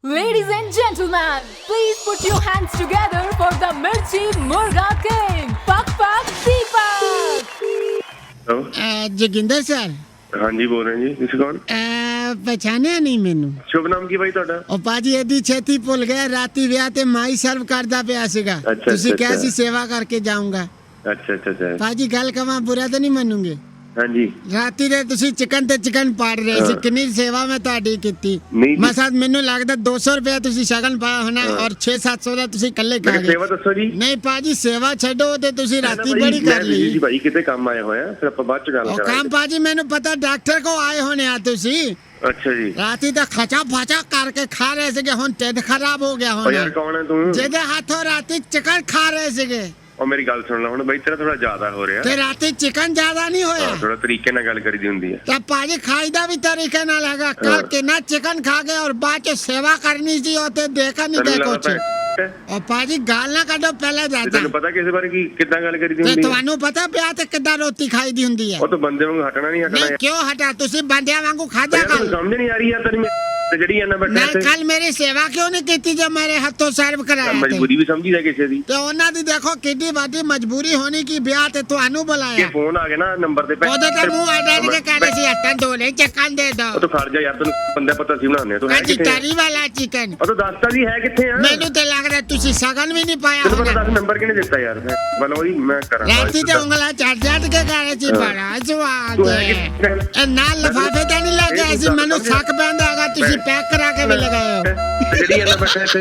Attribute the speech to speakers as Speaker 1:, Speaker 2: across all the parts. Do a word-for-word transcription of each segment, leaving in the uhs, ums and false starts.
Speaker 1: Ladies and gentlemen, please put your hands together for the Mirchi Murga King, Pak Pak Deepak.
Speaker 2: Hello
Speaker 3: ah Joginder sir
Speaker 2: ਹਾਂਜੀ ਬੋਲ ਰਹੇ ਜੀ ਤੁਸੀਂ ਕੌਣ
Speaker 3: ਅਹ ਪਛਾਣਿਆ ਨਹੀਂ ਮੈਨੂੰ।
Speaker 2: ਸ਼ੁਭ ਨਾਮ ਕੀ ਬਾਈ ਤੁਹਾਡਾ?
Speaker 3: ਉਹ ਪਾਜੀ ਐਡੀ ਛੇਤੀ ਭੁੱਲ ਗਏ, ਰਾਤੀ ਵਿਆਹ ਤੇ ਮਾਈ ਸਰਵ ਕਰਦਾ ਪਿਆ ਸੀਗਾ।
Speaker 2: ਅੱਛਾ,
Speaker 3: ਤੁਸੀਂ
Speaker 2: ਅੱਛਾ,
Speaker 3: ਕਿਹਾ ਸੀ
Speaker 2: ਅੱਛਾ।
Speaker 3: ਸੇਵਾ ਕਰਕੇ ਜਾਊਂਗਾ।
Speaker 2: ਅੱਛਾ ਅੱਛਾ ਅੱਛਾ
Speaker 3: ਪਾਜੀ ਗੱਲ ਕਵਾਂ ਬੁਰਾ ਤਾਂ ਨਹੀਂ ਮੰਨੂਗੇ?
Speaker 2: ਹਾਂਜੀ
Speaker 3: ਰਾਤੀ ਦੇ ਤੁਸੀਂ ਚਿਕਨ ਤੇ ਚਿਕਨ ਪਾੜ ਰਹੇ ਸੀ,
Speaker 2: ਹਾਂ।
Speaker 3: ਕਿੰਨੀ ਸੇਵਾ ਮੈਂ ਤੁਹਾਡੀ ਕੀਤੀ।
Speaker 2: ਨਹੀਂ ਜੀ।
Speaker 3: ਮਸਾਂ ਮੈਨੂੰ ਲੱਗਦਾ ਦੋ ਸੌ ਰੁਪਏ ਤੁਸੀਂ ਸ਼ਗਨ ਪਾਇਆ ਹੋਣਾ
Speaker 2: ਹਾਂ।
Speaker 3: ਔਰ ਛੇ ਸੱਤ ਸੌ ਦਾ ਤੁਸੀਂ ਇਕੱਲੇ
Speaker 2: ਮੈਂ
Speaker 3: ਖਾ
Speaker 2: ਕਿਹਾ
Speaker 3: ਗਏ।
Speaker 2: ਸੇਵਾ ਦੱਸੋ ਜੀ।
Speaker 3: ਨਹੀਂ ਪਾਜੀ ਸੇਵਾ ਛੱਡੋ ਤੇ ਤੁਸੀਂ ਰਾਤੀ ਬੜੀ ਕਰ
Speaker 2: ਜੀ
Speaker 3: ਲਈ।
Speaker 2: ਭਾਈ ਕਿਤੇ ਕੰਮ ਆਏ ਹੋਏ ਆ, ਫਿਰ ਆਪਾਂ ਬਾਅਦ ਚ ਗੱਲ
Speaker 3: ਉਹ
Speaker 2: ਕਰਾਂਗੇ।
Speaker 3: ਕੰਮ ਪਾਜੀ ਮੈਨੂੰ ਪਤਾ ਡਾਕਟਰ ਕੋ ਆਏ ਹੋਣੇ ਆ ਤੁਸੀਂ।
Speaker 2: ਅੱਛਾ ਜੀ।
Speaker 3: ਰਾਤੀ ਤਾਂ ਖਚਾ ਫਚਾ ਕਰਕੇ ਖਾ ਰਹੇ ਸੀਗੇ, ਹੁਣ ਢਿੱਡ ਖਰਾਬ ਹੋ ਗਿਆ
Speaker 2: ਉਹ ਯਾਰ
Speaker 3: ਹੁਣ।
Speaker 2: ਕੌਣ ਹੈ ਤੂੰ?
Speaker 3: ਜਿਹਦੇ ਹੱਥੋਂ ਰਾਤੀ ਚਿਕਨ ਖਾ ਰਹੇ ਸੀਗੇ
Speaker 2: ਉਹ ਮੇਰੀ ਗੱਲ ਸੁਣ ਲੈ ਹੁਣ ਬਾਈ, ਤੇਰਾ ਥੋੜਾ ਜ਼ਿਆਦਾ ਹੋ ਰਿਹਾ।
Speaker 3: ਤੇ ਰਾਤੀ ਚਿਕਨ ਜ਼ਿਆਦਾ ਨਹੀਂ ਹੋਇਆ।
Speaker 2: ਹਾਂ ਥੋੜਾ ਤਰੀਕੇ ਨਾਲ ਗੱਲ ਕਰੀਦੀ ਹੁੰਦੀ ਹੈ।
Speaker 3: ਤਾਂ ਪਾਜੀ ਖਾਈ ਦਾ ਵੀ ਤਰੀਕੇ ਨਾਲ ਹੈਗਾ।
Speaker 2: ਹਾਂ।
Speaker 3: ਕੱਲ ਕਿੰਨਾ ਚਿਕਨ ਖਾ ਗਏ ਔਰ ਬਾਅਦ ਚ ਸੇਵਾ ਕਰਨੀ ਸੀ ਉਹ ਤੇ ਦੇਖਾ ਨਹੀਂ
Speaker 2: ਤੈਨੂੰ
Speaker 3: ਗਏ
Speaker 2: ਲੱਗਦਾ
Speaker 3: ਕੁਛ।
Speaker 2: ਹੈ?
Speaker 3: ਉਹ ਪਾਜੀ ਗਾਲ ਨਾ ਕੱਢੋ ਪਹਿਲਾਂ
Speaker 2: ਤੇ
Speaker 3: ਦੱਸਦਾ।
Speaker 2: ਤੈਨੂੰ ਪਤਾ ਕਿਸੇ ਬਾਰੇ ਕੀ ਕਿੱਦਾਂ ਗੱਲ ਕਰੀਦੀ
Speaker 3: ਤੇ
Speaker 2: ਹੁੰਦੀ ਹੈ?
Speaker 3: ਤੁਹਾਨੂੰ ਪਤਾ ਪਿਆ ਤੇ ਕਿੱਦਾਂ ਰੋਟੀ ਖਾਈ ਦੀ ਹੁੰਦੀ ਹੈ?
Speaker 2: ਉਹ ਤਾਂ ਬੰਦੇ ਵਾਂਗੂ ਹਟਣਾ ਨਹੀਂ ਹਟਣਾ
Speaker 3: ਨਹੀਂ
Speaker 2: ਯਾਰ।
Speaker 3: ਕਿਉਂ ਹਟਾ, ਤੁਸੀਂ ਬੰਦਿਆਂ ਵਾਂਗੂ ਖਾਜਾ
Speaker 2: ਯਾਰ ਤੈਨੂੰ
Speaker 3: ਕਰ।
Speaker 2: ਸਮਝ ਨਹੀਂ ਆ ਰਹੀ ਯਾਰ ਤੇਰੀ ਤੇ ਜਿਹੜੀ ਇਹਨਾਂ ਬੈਠਾ
Speaker 3: ਨਹੀਂ
Speaker 2: ਇੱਥੇ
Speaker 3: ਕੱਲ ਮੇਰੀ ਸੇਵਾ ਕਿਉਂ ਨਹੀਂ ਕੀਤੀ ਜੋ ਮੇਰੇ ਹੱਥੋਂ ਸਰਵ ਕਰਾਇਆ ਤੇ?
Speaker 2: ਮਜਬੂਰੀ ਵੀ ਸਮਝੀ ਜਾ ਕਿਸੇ ਦੀ।
Speaker 3: ਤੇ ਉਹਨਾਂ ਦੀ ਦੇਖੋ ਕਿੰਨੀ ਵੱਡੀ ਮਜਬੂਰੀ ਹੋਣੀ ਕਿ ਵਿਆਹ ਤੇ ਤੁਹਾਨੂੰ
Speaker 2: ਕਿ
Speaker 3: ਬੁਲਾਇਆ।
Speaker 2: ਫੋਨ ਆ ਗਿਆ ਨਾ ਨੰਬਰ ਤੇ
Speaker 3: ਉਹਦੇ ਤੇ ਮੂੰਹ ਅੱਡ ਕੇ ਕਹਿੰਦੇ ਸੀ ਹੱਟਣ ਦੋ ਲੈ ਚੱਕਣ ਦੇ ਦੋ।
Speaker 2: ਉਹ ਤਾਂ ਖੜ ਜਾ ਯਾਰ, ਤੈਨੂੰ ਬੰਦਾ ਪਤਾ ਸੀ ਬਣਾਉਂਦੇ ਤੂੰ ਹੈ
Speaker 3: ਕਹਿੰਦੀ
Speaker 2: ਕਿੱਥੇ ਆ?
Speaker 3: ਤਰੀ ਵਾਲਾ ਚਿਕਨ।
Speaker 2: ਉਹ ਤਾਂ ਦੱਸਤਾ ਜੀ ਹੈ ਕਿੱਥੇ ਆ?
Speaker 3: ਮੈਨੂੰ ਤੇ ਲੱਗ ਰਿਹਾ ਤੁਸੀਂ ਸਗਨ ਵੀ ਨਹੀਂ ਪਾਇਆ
Speaker 2: ਤੈਨੂੰ ਪਤਾ
Speaker 3: ਹੋਣਾ।
Speaker 2: ਦੱਸ ਨੰਬਰ ਕਿਹਨੇ ਦਿੱਤਾ ਯਾਰ? ਬਲ ਉਹੀ ਮੈਂ ਕਰਾਂ
Speaker 3: ਰਾਤੀ ਤੇ ਉਂਗਲਾ ਚੜ ਚੜ ਕੇ ਕਰੇ ਸੀ ਬੜਾ ਸਵਾਦ
Speaker 2: ਤੂੰ ਹੈ
Speaker 3: ਹੈ।
Speaker 2: ਕਿੱਥੇ?
Speaker 3: ਇਹ ਨਾਲ ਲਫਾਫੇ ਤੇ ਨਹੀਂ ਲੱਗਿਆ ਸੀ, ਮੈਨੂੰ ਸ਼ੱਕ ਪੈਂਦਾ ਹੈਗਾ ਤੁਸੀਂ ਪੈਕ ਕਰਾ ਕੇ ਵੀ ਲਗਾਏ ਹੋ।
Speaker 2: ਜਿਹੜੀ ਇਹਨਾਂ ਬੈਠਾ ਇੱਥੇ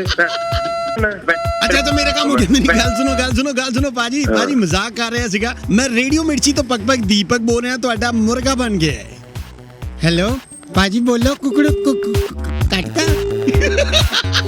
Speaker 4: ਅੱਛਾ ਤਾਂ ਮੇਰਾ ਕੰਮ ਹੋ ਗਿਆ। ਮੇਰੀ ਗੱਲ ਸੁਣੋ ਗੱਲ ਸੁਣੋ ਗੱਲ ਸੁਣੋ ਪਾਜੀ। ਪਾਜੀ ਮਜ਼ਾਕ ਕਰ ਰਿਹਾ ਸੀਗਾ। ਮੈਂ ਰੇਡੀਓ ਮਿਰਚੀ ਤੋਂ ਪਕ ਪਕ ਦੀਪਕ ਬੋਲ ਰਿਹਾ, ਤੁਹਾਡਾ ਮੁਰਗਾ ਬਣ ਗਿਆ ਹੈ।
Speaker 3: ਹੈਲੋ ਪਾਜੀ ਬੋਲੋ ਕੁਕੜੂ ਕੁਕ ਕੱਟਦਾ।